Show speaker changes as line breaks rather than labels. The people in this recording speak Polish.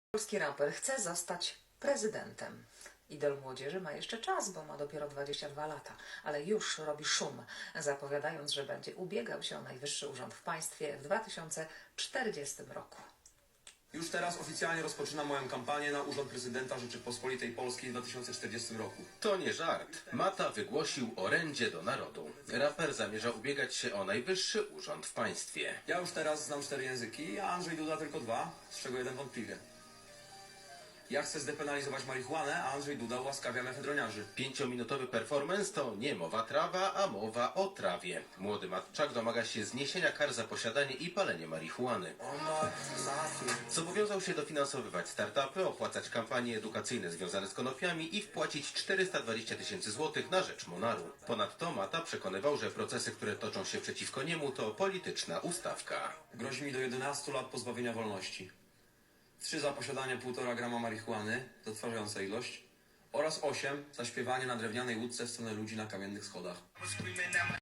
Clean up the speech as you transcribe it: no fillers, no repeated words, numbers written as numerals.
Polski raper chce zostać prezydentem. Idol młodzieży ma jeszcze czas, bo ma dopiero 22 lata, ale już robi szum, zapowiadając, że będzie ubiegał się o najwyższy urząd w państwie w 2040 roku.
Już teraz oficjalnie rozpoczynam moją kampanię na urząd prezydenta Rzeczypospolitej Polskiej w 2040 roku.
To nie żart. Mata wygłosił orędzie do narodu. Raper zamierza ubiegać się o najwyższy urząd w państwie.
Ja już teraz znam 4 języki, a Andrzej Duda tylko 2, z czego jeden wątpliwie. Ja chcę zdepenalizować marihuanę, a Andrzej Duda ułaskawia mefedroniarzy.
5-minutowy performance to nie mowa trawa, a mowa o trawie. Młody matczak domaga się zniesienia kar za posiadanie i palenie marihuany. Zobowiązał się dofinansowywać startupy, opłacać kampanie edukacyjne związane z konopiami i wpłacić 420 000 złotych na rzecz Monaru. Ponadto Mata przekonywał, że procesy, które toczą się przeciwko niemu, to polityczna ustawka.
Grozi mi do 11 lat pozbawienia wolności. 3 za posiadanie 1,5 grama marihuany, zatrważająca ilość, oraz 8 za śpiewanie na drewnianej łódce w stronę ludzi na kamiennych schodach.